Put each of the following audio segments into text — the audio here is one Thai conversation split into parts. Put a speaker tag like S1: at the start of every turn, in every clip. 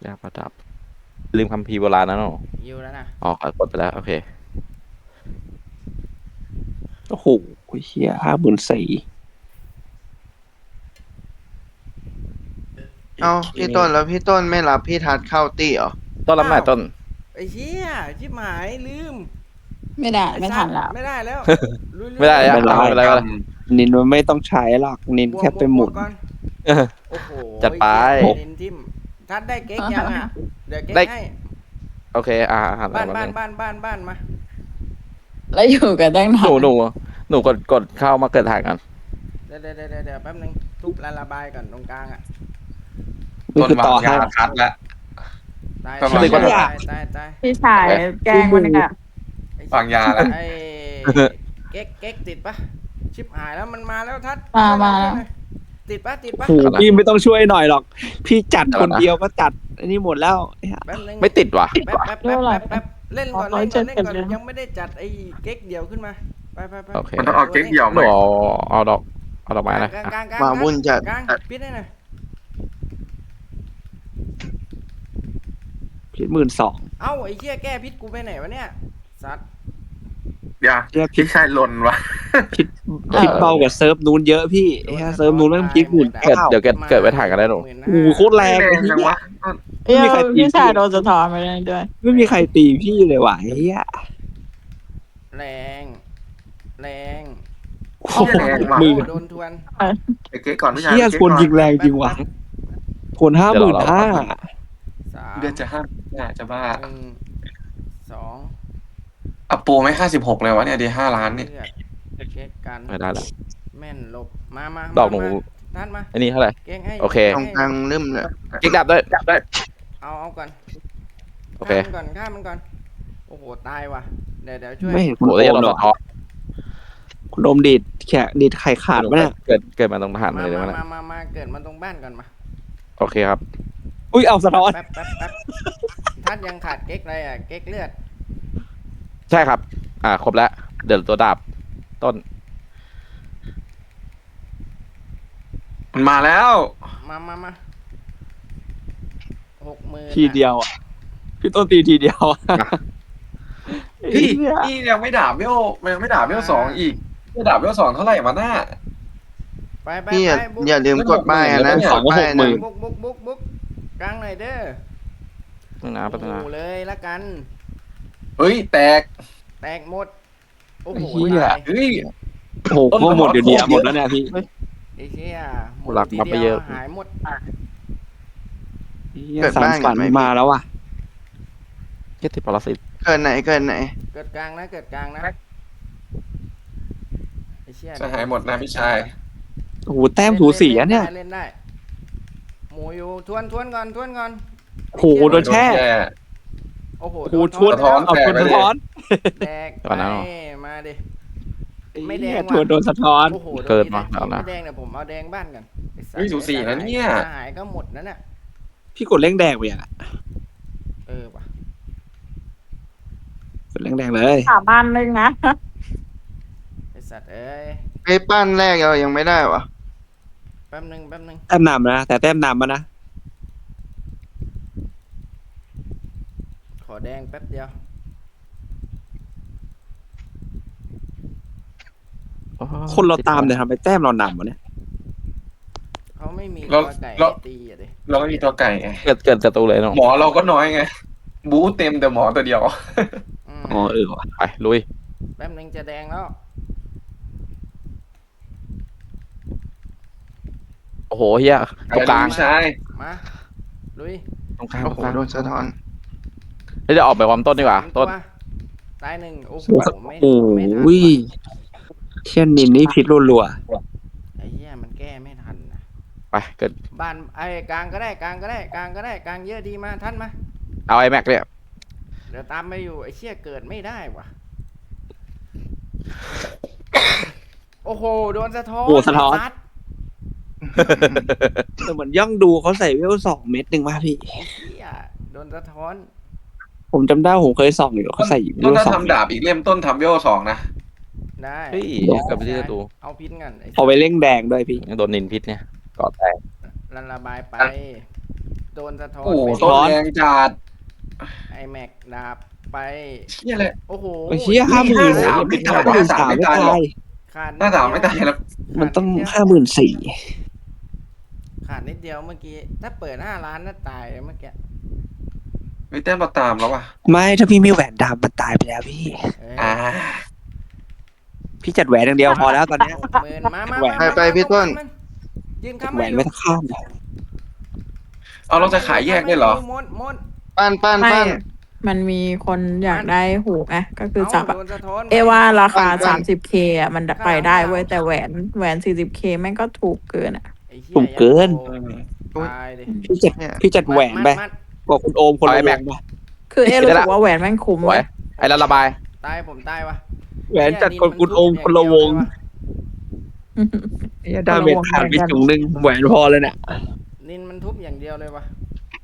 S1: ยาประดับลืมคัมภีร์โบราณนะเนาะ
S2: ยิวแล้วนะ
S1: อ๋อกดไปแล้วโอเค
S3: โอ้โหเฮีย54,000
S4: เอ้าพี่ต้นแล้วพี่ต้นไม่รับพี่ทัดเข้าตี้เหรอ
S1: ต้นรับหน่อยต้น
S2: ไอ้เชี่ยชิบหายลืม
S5: ไม่ได้
S2: อ้
S5: ไม่
S2: สั
S5: ทั
S2: ต
S5: น
S2: ว์
S5: แล้ว
S2: ไม่ได้แล้วลุยๆ
S1: ไม่ได้อะ
S3: ไม่ได้
S1: ไม่เป็นไรไม่เป็นไร
S3: นินมันไม่ต้องใช้หรอกนินแค่ไปหมุน
S2: บวกก่อนโอ้โห
S1: จัดไป
S2: เหี้ยเน้นทิมทัดได้เก๊กยังอ่ะเดี๋ยวเก๊ก
S1: ได้
S2: ให้
S1: โอเคหัน
S2: บ้าน
S1: มา
S2: บ้าน
S1: เลย
S2: บ้านมา
S5: แล้วอยู่กันตั้งนา
S1: หนู
S5: น
S1: หนูกดเข้ามาเกิดถ่ายกัน
S2: เดี๋ยวแป๊บนึงทุบระบายก่อนตรงกลางอ่ะ
S3: นี่คือต่อให้
S6: คัดละ
S2: ตาย
S6: ประมาณ
S2: ตาย
S5: พี่ชายแกล้งมันเนี่ย
S6: วางยาแล้ว
S2: ไอ้เก๊กติดปะชิบหายแล้วมันมาแล้วทัด
S5: มาแล้ว
S2: ติดปะ
S3: โอ้โหพี่ไม่ต้องช่วยหน่อยหรอก พี่จัดคนเดียวก็จัดอันนี้หมดแล้ว
S2: แป๊บนึง
S1: ไม่ติดว่ะ
S2: แป๊บเล่นก่อนยังไม่ได้จัดไอ้เก๊กเดียวขึ้นมาไป
S1: โอเค
S6: มันต้องเอาเก๊กเดี่ยว
S1: ห
S6: ไหม
S1: นูเอาดอกไม้นะ
S2: กลาง
S4: มาวุ่นจัด
S2: กลางปิดได้หน่อย
S3: พี่12,000
S2: เอ้าไอ้เชี่ยแก้พิษกูไปไหนวะเนี่ยสัตว์
S6: อย่า
S3: เรียก
S6: พี่ชายหล่นวะ
S3: คิดเบากว่าเซิร์ฟนู้นเยอะพี่เฮียเซิร์ฟนู้นแม่งคิดหมุน
S1: เดี๋ยวเกิดไว้ถ่ายกันได้หนู
S3: โอ้โหโคตรแรง
S6: แร
S3: เลย
S6: ง
S3: พี่
S6: จังวะ
S5: เอ้ยพี่ชายโดนสะท้อนไปเลยด้วย
S3: ไม่มีใครตีพี่เลยว่ะเฮีย
S2: แรง
S3: โอ้โห
S6: แรงว่ะ
S3: มือ
S2: โดนทวน
S6: ไอ้เก๊กก่อนพี่ชาย
S3: เฮียคนยิงแรงจริงว่ะคน55,000
S2: 3
S6: เดือนจะห้าน่าจะบ้า
S2: 1 2
S6: อัปโปไม่56เลยวะเนี่ยดี5 ล้านเนี่ย
S2: เลือดเก๊กกัน
S1: ไม่ได้ละ
S2: แม่นหลบมา
S1: ดอกหนู
S2: ท่านมา
S1: อันนี้เท่าไหร่
S2: เก๊กให้
S1: โอเค
S4: ตรงกลางลืมเลย
S1: กิ๊กดับด้วย
S2: เอาก่อน
S1: โอเค
S2: ฆ่ามันก่อนโอ้โหตายว่ะเดี๋ยวช่วย
S3: ไม่เห็น
S1: โหได้ยัน
S3: ห
S1: เรา
S3: รอ
S1: สะท้อน
S3: คุณโอมดีดแขกดีดไข่ขาดปะเนี่ย
S1: เกิดมาตรงทหาร
S2: มา
S1: เลยได้ไหมเนี่ย
S2: มาเกิดมาตรงบ้านก่อนมา
S1: โอเคครับ
S3: อุ้ยเอาสะท้อน
S2: แป๊บท่านยังขาดเก๊กอะไรอ่ะเก๊กเลือด
S1: ใช่ครับ ครบแล้วเดี๋ยวตัวดาบต้น
S6: มันมาแล้ว
S2: มา60,000
S3: ทีเดียวอ่ะพี่ต้นตีทีเดียวอะ
S6: พี่
S3: เหี้ย
S6: นี่ยังไม่ด่าเวลมันยังไม่ด่าเวล2อีกจะด่าเวล2เท่าไหร่มาหน้า
S2: ไป
S4: พี่อย่าลืมกดป้ายนะ
S6: ไม่
S4: กดป้ายนะ
S2: บุกกลางหน่อยเด้อ
S1: ตั้งนาน
S2: โอ้
S1: ตั้งนาน
S2: โหเลยละกัน
S6: เฮ้ยแตก
S2: แตกหมดโอ้โห
S3: เหี้ย
S2: ตาย
S6: เฮ้ย
S3: โอ้โหพวกหมดอยู่ดีอะหมดแล้วเนี่ยพี่
S2: ไอ้เชี่ยหมด
S1: หลัก
S2: ที
S1: มาไป
S2: เดี
S1: เย
S2: ยว
S1: อะ
S2: หายหมด
S3: เหี้ยสารฝันมาแล้วว่ะ
S1: แค่ติดปรสิต
S4: เกินไหน
S2: เกิดกลางนะไอ้เชี่ย
S6: จะหายหมดนะพี่ชาย
S3: โอ้โหแต้มสูสีอะเนี่ย
S2: เล่นได้หมูอยู่ทวนก่อน
S3: โอ้โหโดนแช่
S2: โอ้โห
S3: โอ้โหชวน
S6: สะท้อน
S3: เอาชวนสะท้อน
S2: แดก
S1: ก่อนนะ
S2: ไปมาดิ ไม่แดง
S3: เหี้ย
S2: ว่ะ
S3: ชวนโดนสะท้อน
S2: โอ้โห
S1: เกิดมา
S2: โดน
S1: แล้วนะ
S2: ไม่แดงเนี่ยผมเอาแดงบ้านกันไอ้สัตว์
S6: เฮ้ยสูสีนะเนี่ย
S2: หายก็หมดนั่นน่ะ
S3: พี่กดเร่งแดงไปยังอะ
S2: ว่ะ
S3: กดเร่งแดงเลย
S5: 3,000นะ
S2: ไอ้สัตว์เอ้ย
S4: ไอ้ปั้นแรกเรายังไม่ได้วะ
S2: แป๊บนึง
S3: แต้มนำนะแต่แต้มนำมานะ
S2: ขอแดงแป๊บเดียว
S3: คนเราตามเนี่ยทำไมแต้มเรานำวะเนี่ย
S2: เขาไม่มี
S6: เรา
S2: ตัวไก่
S6: เรา
S2: ให้ตีอ่ะดิ
S6: เราไม่มีตัวไก่ไง
S1: เกิดศัตรูเลยน้อง
S6: หมอเราก็น้อยไง บู๊เต็มแต่หมอตัวเดียว
S2: ม
S3: อ๋อว่ะ
S1: ไปลุย
S2: แป๊บนึงจะแดงแล้ว
S1: โอ้โหเฮียตรงกลาง
S6: พี่ชาย
S2: มาลุย
S1: ตรงกลาง
S4: โอ้โหโดนสะท้อน
S1: เดี๋ยวออกไปความต้นดีกว่า ต้น
S2: วตายหนึ่งโอ้โหไม่
S3: โอ้
S2: ไม่ทัน
S3: ย
S2: ว่ะ
S3: เชี่ยนินนี่พิษรัว
S2: ไอ้เหี้ยมันแก้ไม่ทันนะ
S1: ไปเกิด
S2: บ้านไอ้กลางก็ได้กลางเยอะดีมาท่านมา
S1: เอาไอแม็กเนี่ย
S2: เดี๋ยวตามไปอยู่ไอ้เชี่ยเกิดไม่ได้ว่ะ โอ้โหโดนสะท้อน
S3: โอ้สะท้อน
S2: ซัด
S3: ๆแต่เหมือนย่องดูเขาใส่เวล2 เม็ดหนึ่งมาพี่
S2: ไอ้เชี่ยโดนสะท้อน
S3: ผมจำได้ผมเคยส่องอยู่เขาใส่เว
S6: ต้น
S3: ล
S6: ถ้า
S3: 2 เม็ด
S6: ทำดาบอีกเล่มต้นทำเวล2นะ
S2: ได้
S1: เฮ้ยเกิดไปที่ศัตรู
S2: เอาพิษกันไอ้
S3: เอาไปเร่งแดงด้วยพี่
S1: ยังโดนนินพิษเนี่ยกอดแตก
S2: ระบายไปโดนสะท้อน
S6: โอ้โห
S2: ไป
S6: ต้นแรงจัด
S2: ไอแม็กดาบไป
S6: เชี่ยเลย
S2: โอ้โห
S3: ไอ้เชี่ย50,000
S6: ไม่ตาย
S3: 53,000ไม่ตาย
S2: ขาด
S6: หน้าสามไม่ตายแล้ว
S3: มันต้อง
S2: ขาด
S3: 54,000
S2: ขาดนิดเดียวเมื่อกี้ ถ้าเปิด5 ล้านน่าตายเมื่อกี้
S6: ไม่แต้มมาตามแล้วว่ะ
S3: ไม่ถ้าพี่มีแหวนดำมันตายไปแล้วพี่
S2: เอ้ย
S6: อ่า
S3: พี่จัดแหวนอย่างเดียวพอแล้วตอนเนี้ย
S2: 60,000มา
S3: แหวน
S4: ไปพี่ต้น
S2: ยืนค้ำ
S3: แหวนไม่ต้องข้าม
S6: เอาเราจะขายแยกได้เหรอ
S2: มด
S4: ปั้น
S5: ไม่
S4: ปั้น
S5: มันมีคนอยากได้หูไงก็คือจับอะ
S2: โดนสะท้อน
S5: เอว่าราคา
S4: บ้าน
S5: 30K อ่ะมันไปได้เว้ยแต่แหวน 40K แม่งก็ถูกเกินอ่ะ
S2: ไอ้หี้ย
S3: ถูกเกิน
S2: ตายดิ
S3: พี่จัดแหวนไป
S2: มัด
S3: บอกคุณโอมคนละ
S1: เอาไอ้
S3: แห
S1: แม็
S3: ว
S1: ก
S3: นไป
S5: คือรู้สึกว่าแหวนแม่งคุ้ม
S1: สวย
S5: เว้ย
S1: ไอ้แล้วระบาย
S2: ตายผมตายวะ
S3: แหวนจัดคนคุณโอมคนละวงไอ้ดาเมจขาดไปจุงนึงแหวนพอเลยเนี่ย
S2: นินมันทุบอย่างเดียวเลยวะ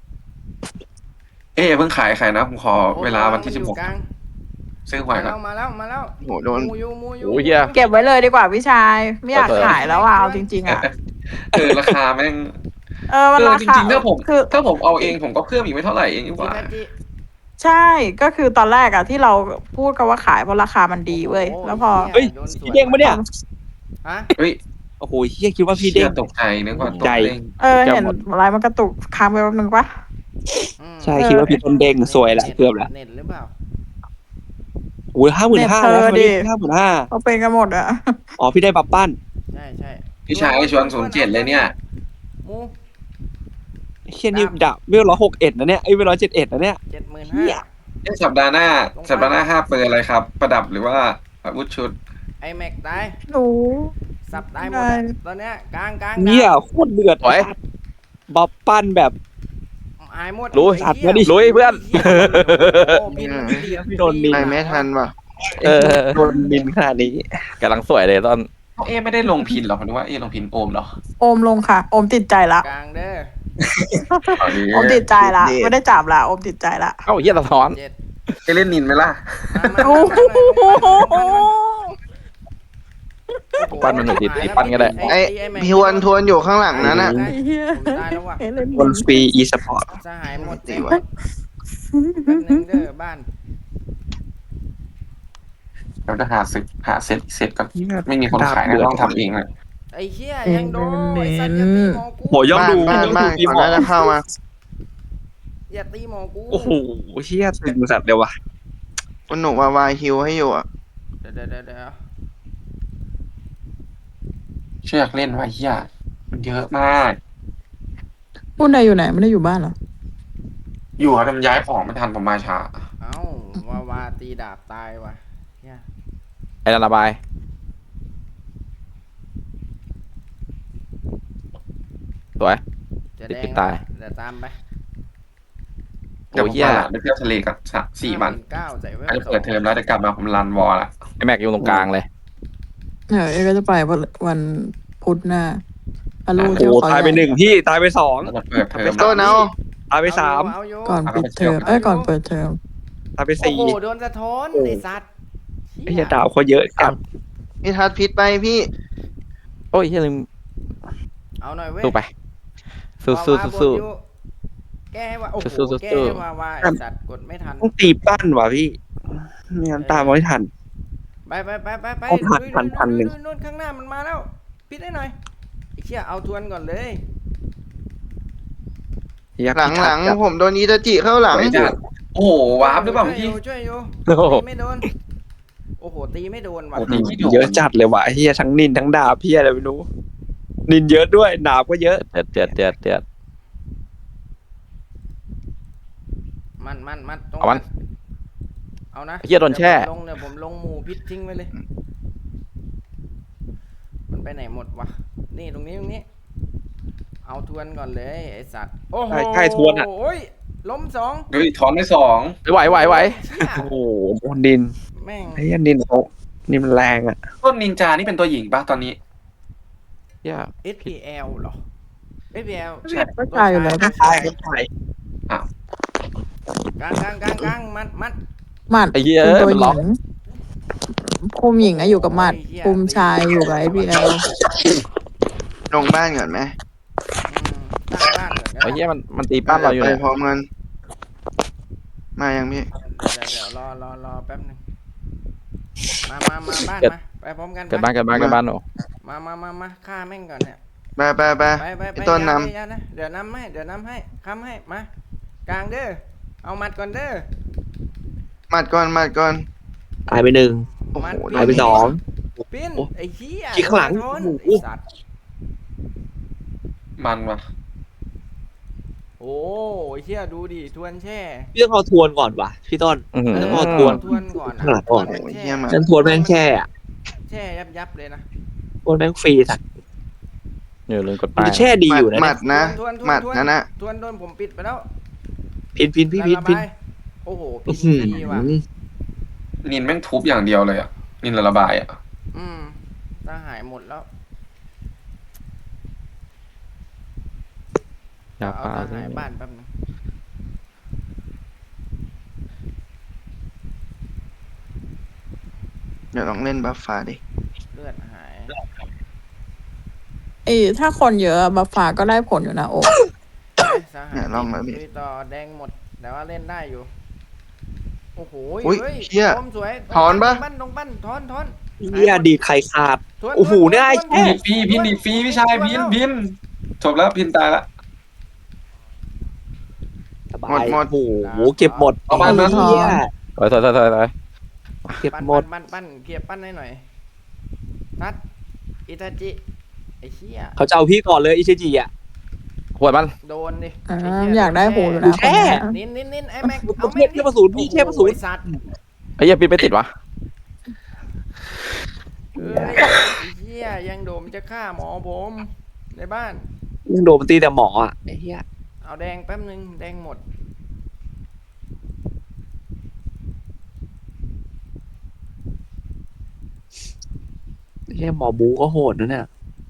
S6: เอ๊ะเพิ่งขายนะผมขอเวลาวันที่
S2: โอ้โหมันอยู่กลาง
S6: 16ซื้อหวยก่อน
S2: มาแล้ว
S4: โหโดน
S2: มูยู
S1: โอ้ยเหี้ย
S5: เก็บไว้เลยดีกว่าพี่ชาย ไม่อยากขายแล้วอ่ะเอาจริงๆอ่ะ
S6: ราคาแม่ง
S5: มันรา
S6: จ
S5: คา
S6: ริงๆถ้าผม
S5: คือ
S6: ถ้าผมเอาเองผมก็เพิ่มอีกไม่เท่าไหร่เองดีก
S2: จิ
S6: ว่า
S2: นาจิ
S5: ใช่ก็คือตอนแรกอะที่เราพูดกันว่าขายเพราะราคามันดีเว้ย
S2: โอ้โห
S5: แล้วพอ
S3: เฮ้ย
S2: โดนสวน
S3: พี่เด้งปะเนี่ย
S2: ฮะ
S6: เฮ้ย
S3: โอ้โหเฮียคิดว่าพี่เด้ง
S6: ตกใจนึกว่าตก
S3: ใจ
S6: เด้ง
S5: เห็นอะไรมันกระตุกค้างไปแป๊บนึงปะ
S2: อืม
S3: ใช่คิดว่าพี่ต้นเด้งสวยแหละเกือบแล้ว
S2: เน็ตหรือเปล่า
S3: โอ้ย55,000แล้วคนนี้55,000
S5: เขาเป็นกันหมดอะ
S3: อ๋อพี่ได้บับปั้น
S2: ใช่
S6: พี่ชายชวน07เลยเนี่ย
S2: มู
S3: เฮียนี่ดับเวล161นะเนี่ยไอ้เวล171นะเนี่ย
S2: 75,000
S3: เหี้ย
S6: สัปดาห์หน้า5เปิดอะไรครับ ประดับหรือว่าอาวุธชุด
S2: ไอแม็กตาย
S5: หนู
S2: สับตายหมดอะตอนเนี้ยกลาง
S3: เนี่ยโคตรเดือด
S1: สวย
S3: บับปั้นแบบ
S2: อายหมด
S1: ลุย
S2: ไอ้
S3: สัตว์
S2: เหี้
S3: มาดิ
S1: ลุยเพื่อน
S2: โอ้พี่
S3: พี่โดนนิน
S4: ไปไม่ทันว่ะ
S1: เออ
S3: โดนมินขนาดนี้
S1: กำลังสวยเลยตอน
S6: เอ๊ะไม่ได้ลงพินหรอผมนึกว่าเอ๊ะลงพินโอมเหรอ
S5: โอมลงค่ะ โอมติดใจละ
S2: กลางเด้อ
S5: โอมติดใจละไม่ได้จับละโอมติดใจละ
S1: เอ้าเฮียสะท้อน
S2: 7
S6: จะเล่นนินไหมล่ะ
S5: โอ้โห
S1: ปั้นมันหน่อยดิตีปั้นก็ได้
S4: ไอ้พี่ทวนอยู่ข้างหลังนั้นน่ะ
S5: ไอ้เหี้ย
S2: ผมตายแล้วว่ะ
S5: เห็นเลย
S3: บนฟรีอีสปอร์ต
S2: สหายหมด
S4: ตี
S2: เต็ม
S4: วะ
S2: แป๊บนึงเด้อบ้าน
S6: เราจะหาเซ็ตก่อนไม่มีคนขายนะต้องทำเองเลย
S2: ไอ้เหี้ยยังโดนไอ้สัตว์อย่าตีหมอกู
S3: โหย่องดู
S4: บ้าน
S3: ย่อง
S4: บ้า
S3: ดู
S4: น
S3: ทีม
S4: ก่อน
S3: หมอ
S4: น่าจะเข้ามา
S2: อย่าตีหมอกู
S3: โอ้โหเชี่ยตึงสัตว์เดียววะ
S4: คุณหนูวายฮิวให้อยู่อ่ะ
S2: เดี๋ยว
S6: เชือกเล่นไว้เฮียมันเยอะมาก
S5: พูดใดอยู่ไหนไม่ได้อยู่บ้านเหรอ
S6: อยู่ครับทำย้ายของไม่ทันผมมาช้า
S2: เอ้าวาตีดาบตายว่ะเนี่ย
S1: ไอ้แล้วระบาย สวย
S2: จะแดง
S1: ปิดตาย
S2: เดี๋ยวตามไป
S6: เดี๋ยว
S1: โอ้
S6: ผม
S1: เฮีย
S6: พาหลานไปเที่ยวทะเลกัน4 วัน
S2: 9ใส่เวล
S6: อาจจะเปิดเทอมแล้วจะกลับมาผมรันวอลละ
S1: ไอ้แม็กอยู่ตรงกลางเลย
S5: เอก็จะไปวันพุธหน้าพาลู
S3: โอ้
S5: เที่ยว
S3: โห
S5: เขา
S3: ตายไป
S5: ใหญ่
S3: 1พี่ตายไป2
S6: แล้วจะเปิดเทอม
S4: ต้นเอา
S3: ตายไป3
S2: เอาอยู่
S5: ก่อนปิดเทอมก่อนเปิดเทอม
S3: ตายไป
S2: โอ้โห
S3: 4
S2: โดนสะท้อนไอ้สัตว์
S3: ไอ้เหี้ยดาวเขาเยอะจัด
S4: พี่ทัดพิษไปพี่
S1: โอ้ยเฮียลืม
S2: เอาหน่อยเว้ย
S1: สู้ไป สู้
S2: แก้ให้ว่าโอ้โห
S1: สู้
S2: แก้ให้ว่าไอ้สัตว์กดไม่ทัน
S3: ต้องตีปั้นว่ะพี่ไม่งั้นตามไม่ทัน
S2: ไป
S3: ต้องหัก
S2: ลุย
S3: พันหนึ่ง
S2: นู่นข้างหน้ามันมาแล้วปิดได้หน่อยไอ้เชี่ยเอาทวนก่อนเลย
S4: หลังผมโดนอีตาจิเข้าหลัง
S6: ไม่จัดโอ้โหวาร์ปหรือเปล่าเมื่อกี้
S2: ช่วยอยู่
S1: โอ้โห
S2: ตีไม่โดนโอ้โหตีไม่โดนว่ะ
S6: โอ้โห
S3: เยอะจัดเลยว่ะไอ้เฮียทั้งนินทั้งดาบเฮียอะไรไม่รู้นินเยอะด้วยดาบก็เยอะ
S1: เดือด
S2: มันตรง
S1: เอามัน
S2: เอานะ
S1: ไอ้เหี้ยโดนแช่
S2: เดี๋ยวผมลงหมูพิษทิ้งไว้เลย มันไปไหนหมดวะนี่ตรงนี้เอาทวนก่อนเลยไอสัตว์โอ้โห
S3: ใช่ทวนอ่ะ
S2: โอ้ยล้มสอง
S6: เฮ้ยถอนได้2
S1: ไหว
S2: เชี่ย
S3: โอ้โหโดนนิน
S2: แม่ง
S3: ไอ้เฮียนินเขานี่มันแรงอ่ะ
S6: ต้นนินจานี่เป็นตัวหญิงป่ะตอนนี้
S1: เฮีย
S2: SPL เหรอ SPL
S5: ก็ตายอยู่แล้ว
S3: ตายก็ตาย
S2: กลางมัด
S5: หมัด
S1: ไอ้เฮีย
S5: คุมตัว
S1: มัน
S5: ห
S1: ล็
S5: ญิ
S1: อก
S5: งคุมหญิงอะอยู่กับหมัดคุมชายอยู่กับไอพีเอล
S4: ลงบ้านก่อนไหม
S2: ตั้งบ้านก่อนก็
S1: อ้เหี้ยมันตีปั้นเราอยู่
S4: ไป
S1: เนี่ย
S4: พร้อมกันมายังพี่
S2: เดี๋ยวรอแป๊บหนึงมาบ้านมาไปพร้อมกัน
S1: เกิดบ้านโอ้
S2: มาฆ่าแม่งก่อนเนี่ย
S4: ไป
S2: ไป
S4: พี่ต้นน
S2: อย่านะเดี๋ยวนำให้ค้ำให้มากลางเด้อเอามัดก่อนเด้อ
S4: ำหมัดก่อน
S3: ตายไปหนึ่ง
S4: โอ้โห
S2: มัด
S3: ตายไปสอง
S2: ปิ้น
S3: โอ้
S2: ไอ้เหี้ย
S3: ขี้ข้างหลัง
S2: โดน
S3: โอ้โห
S2: ไอ้สัตว์
S6: มันวะ
S2: โอ้ยเหี้ยดูดิทวนแช่
S3: พี่ต้องเอาทวนก่อนว่ะพี่ต้น
S1: อื้อหือ
S3: แล้วก็ทวน
S2: ทวนก่อน
S3: ข้างหลังก่อน
S2: ทวน
S4: เหี้
S2: แช่
S4: ยมัน
S3: ฉันทวนแม่งแช่อะ
S2: แช่ยับเลยนะ
S3: ทวนแม่งฟรีสัตว์
S1: อย่าลืมกด
S3: มัน
S1: ป้าย
S3: จะแช่ดีอยู่นะ
S4: หมั
S3: เนี่ย
S4: ดนะหมัดนะ
S2: ทวนโดนผมปิดไปแล้ว
S3: พินพี่พิน
S2: ระบายโอ้โห
S3: อื้
S2: พิ
S3: อน หือ
S2: ดีว่ะ
S6: นินแม่งทุบอย่างเดียวเลยอ่ะนินระบายอ่ะ
S2: ถ้าหายหมดแล้ว
S1: ยา
S2: เอา
S1: ปลา
S2: ถ้าหายบ้านแป๊บนึง
S4: เดี๋ยวลองเล่นบัฟฟ้าดิ
S2: เลือดหาย
S5: ถ้าคนเยอะบัฟฟ้าก็ได้ผลอยู่นะโอ้
S2: ถ้าหา
S4: เนี่ยลองแล้วพี่
S2: ลุยต่อแดงหมดแต่ว่าเล่นได้อยู่โอ้โห
S4: อุ๊ย
S2: ฮ้
S4: เหี้ย
S2: ต้มสวย
S4: ถอนปะ
S2: ลงปั้นถอน
S3: เฮียดีดไข่ขาด
S2: ทวน
S3: โอ้โห
S2: ทวน
S3: เนี่ยไอ้
S2: ทวน
S3: แค่
S6: พินดีฟรีพี่ชายพินจบแล้วพินตายละ
S3: สบา
S4: หมด
S3: ย
S4: หมด
S3: โอ้โหเก็บหมด
S6: เอาบ้านมา
S3: เฮีย
S1: ถอย
S3: เก็บหมด
S2: ปั้นเคลียร์ปั้นให้หน่อยนัดอิตาจิไอ้เหี้ย
S3: เขาจะเอาพี่ก่อนเลยอิชิจิอ่ะ
S1: หัวมัน
S2: โดนดิ
S5: อ่า
S2: ไเหี้
S5: อยากได้หูอยู่นะ
S3: แช่
S2: นินไอ้แม็ก
S3: ประเภทเทพศูนย์พี่เทพศูนย์
S2: โอ้โหไอ้สัตว์
S1: ไอ้เหี้ยปีนไปติดวะ
S2: เอ้ยไอ้เหี้ยยังโดมจะฆ่าหมอผมในบ้าน
S3: ยังโดนมันตีแต่หมออ่ะไอ้เฮีย
S2: เอาแดงแป๊บนึงแดงหมด
S3: เฮียหมอบูก็โหดนะเนี่ย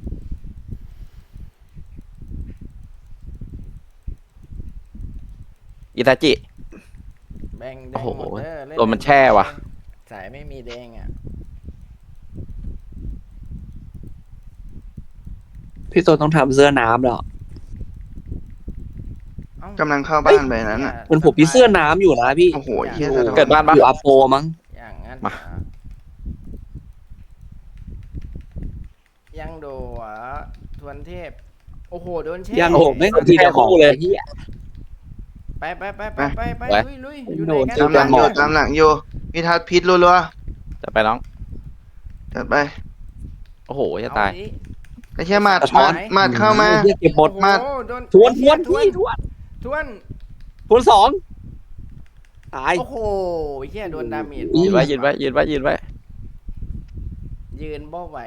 S1: อิตาจิ
S2: แบ่งแด
S1: โอ้
S2: ง
S1: โห
S2: หมดเด้อเล่
S1: โดนมันแช่ว่ะ
S2: สายไม่มีแดงอ่ะ
S3: พี่ต้นต้องทำเสื้อน้ำแล้ว
S2: เอ้าก
S4: ำลังเข้าบ้านไปนั้นอ่ะ
S3: มันผมพี่เสื้อน้ำอยู่นะพี่
S4: โอ้โหเฮียสะท้อน
S1: เกิดบ้านปะ
S3: อยู่อาโปมั้ง
S2: อย่างนั้น
S1: มา
S2: ยังโดอ่ะทวนเทพ โอ้โหโดนแช่
S3: ยังโหไม่งตีแต่หมอเลยเฮีย
S2: ไปลุยอยู่ไหนกัน
S3: โดน
S4: ตามหลังอยู่พี่ทัดพิษรัว
S1: จะไปน้อง
S4: ๆจัดไป
S1: โอ้โหจะตาย
S2: เอดิ
S4: ไอ้เชี่ยหมัด
S1: สะท้อน
S4: หมัดเข้ามา
S3: เฮียเก็บหมด
S2: โอ้โ
S4: มา
S2: โดน
S3: ทวน
S2: ไอ้เหี้ย
S3: พี่ทวน
S2: ทวน
S3: ทวนสองตาย
S2: โอ้โหเฮียโดนดาเมจ
S1: ยืนไว้
S2: ยืนบ่ไหว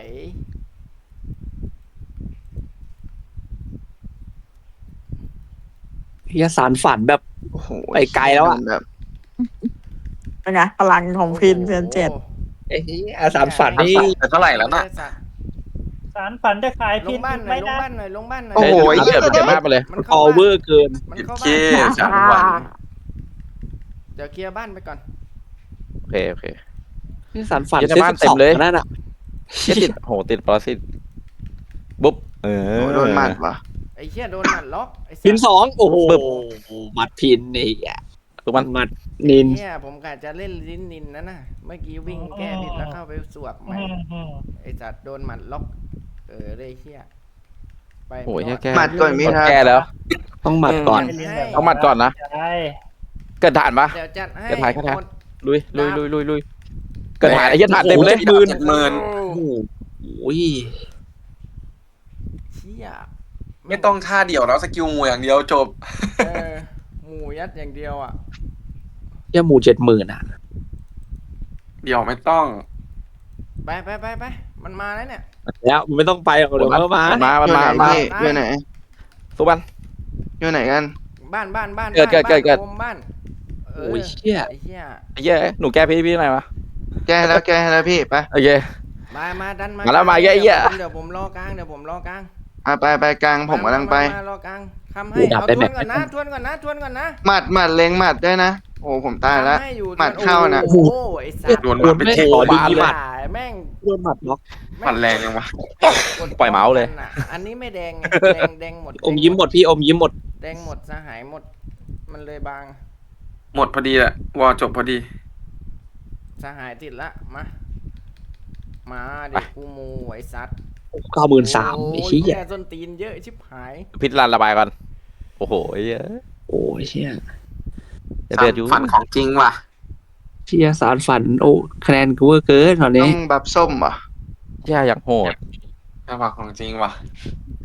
S3: เฮียสารฝันแบบ
S4: โอ้โห
S3: ไปไกลแล้วอะ
S4: แบบ
S5: เป็นไงพลังของพินเซียนเจ็ด
S3: ไอ้เฮียสารฝันนี่
S6: แต่เท่าไหร่แล้วน่ะ
S7: สารฝันจะขาย
S2: ล
S7: พิ
S2: ง
S7: น
S2: บ้านหน่อ
S7: ไม่
S2: ยลง
S7: ได้
S2: บ้านหน่อยลงบ้านหน่อย
S4: โอ้โห
S1: เดี๋ยวเก็บมากไปเลย
S2: มัน
S3: อ
S2: เข้า
S3: อเว
S2: บ้า
S3: อน ร์เกิน
S2: มันเข้า
S6: เค
S2: บ้าน
S6: สามวัน
S2: เดี๋ยวเคลียร์บ้านไปก่อน
S1: โอเค
S3: นี่สารฝัน
S1: เฮียในบ้านเต็มเลย
S3: นั่นอ่ะ
S1: เหี้ยติดโหติดปรสิตบุ๊บ
S4: โอ้โหโดนหมัดว่ะ
S2: ไอ้เชี่ยโดนหมัดล็อกไอ้สัตว์
S3: พินสองโอ้โห
S1: ปึ๊บ
S3: มัดพินนี่อ่ะ
S1: ทุกมัน
S3: มัดนิน
S2: เนี่ยผมกะจะเล่นลิ้นนินนะเมื่อกี้วิ่งแก้ผิดแล้วเข้าไปสวบใหม่ไอ้สัตว์โดนหมัดล็อกเลยเชี่ยไป
S1: โอ้ย
S2: ไม่ร
S1: แค่
S2: อด
S1: แก้
S4: หมัดก่อนพี่ทัด
S1: แก้แล้ว
S3: ต้องมัดก่อน
S1: เอาหมัดก่อนนะ
S7: ใช่
S1: เกิดฐานปะ
S2: เดี๋ยวจัดให้
S1: จะถ่ายแค่ไหน
S2: หมด
S1: ลุยเกิดฐานไอ้เหี้ยฐานเต็มเลย
S6: 70,000
S3: โอ้โห
S2: เชี่ย
S6: ไม่ต้องท่าเดี่ยวแล้วสกิลงูอย่างเดียวจบ
S2: หมูยัดอย่างเดียวอ่ะ
S3: เฮียหมู70,000อ่ะ
S6: เดี่ยวไม่ต้อง
S2: ไปมันมาแล้วเนี่ย
S3: แล้วมันไม่ต้องไปหรอกเดี๋ยวมันก็มา
S1: มันมา
S4: อยู่ไหน
S1: มา
S4: พี่อยู่ไหน
S1: ทุกมัน
S4: อยู่ไหนกัน
S2: บ้าน
S1: เกิด
S2: โอมบ้าน
S3: โอ้ยเชี่ย
S2: ไอ้เชี่ย
S1: ไอ้เหี้ยหนูแก้พี่หน่อยวะ
S4: แก้ให้แล้วพี่ไป
S1: โอเค
S2: มาดันมา
S1: มาแล้วมาเยอะๆ
S2: เดี๋ยวผมรอกลาง
S4: ไปกลางผมกำลังไป
S2: มารอกลางทำให้เอาทวนก่อนนะ
S4: หมัดเล็งหมัดด้วยนะโอ้ผมตายแล้ว
S2: ทำให้อยู่
S4: หมัดเข้านะ
S2: โอ้โหไอ้สัตว์
S6: โดนหมัดไปเท
S1: โอ้
S6: บา
S1: บาน นเลย
S2: แม่ง
S3: โดนหมัดล็อก
S6: หมัดแรงยังวะ
S1: ปล่อยเมาส์เลย
S2: อันนี้ไม่แดงไงแดงหมด
S3: อมยิ้มหมดพี่อมยิ้มหมด
S2: แดงหมดสหายหมด มันเลยบาง
S6: หมดพอดีแหละวอจบพอดี
S2: สหายติดละมาเด็กกูมูไอ้สัตว์
S3: 93,000ไอ้
S2: โอ้ย
S3: เหี้ย
S2: แย่ส้นตีนเยอะชิบหาย
S1: พิษรันระบายก่อนโอ้โหเหี้ย
S3: โอ้ยเชี่ย
S1: จะเดือดอยู่
S6: ฝันของจริงว่ะ
S3: เชี่ยสารฝันโอ้คะแนนกูเวอร์เกินตอน
S4: ต้
S3: นี้
S4: องบัฟส้มเหรอ
S1: เชี่ยอย่างโหด
S6: ฝันของจริงว่ะ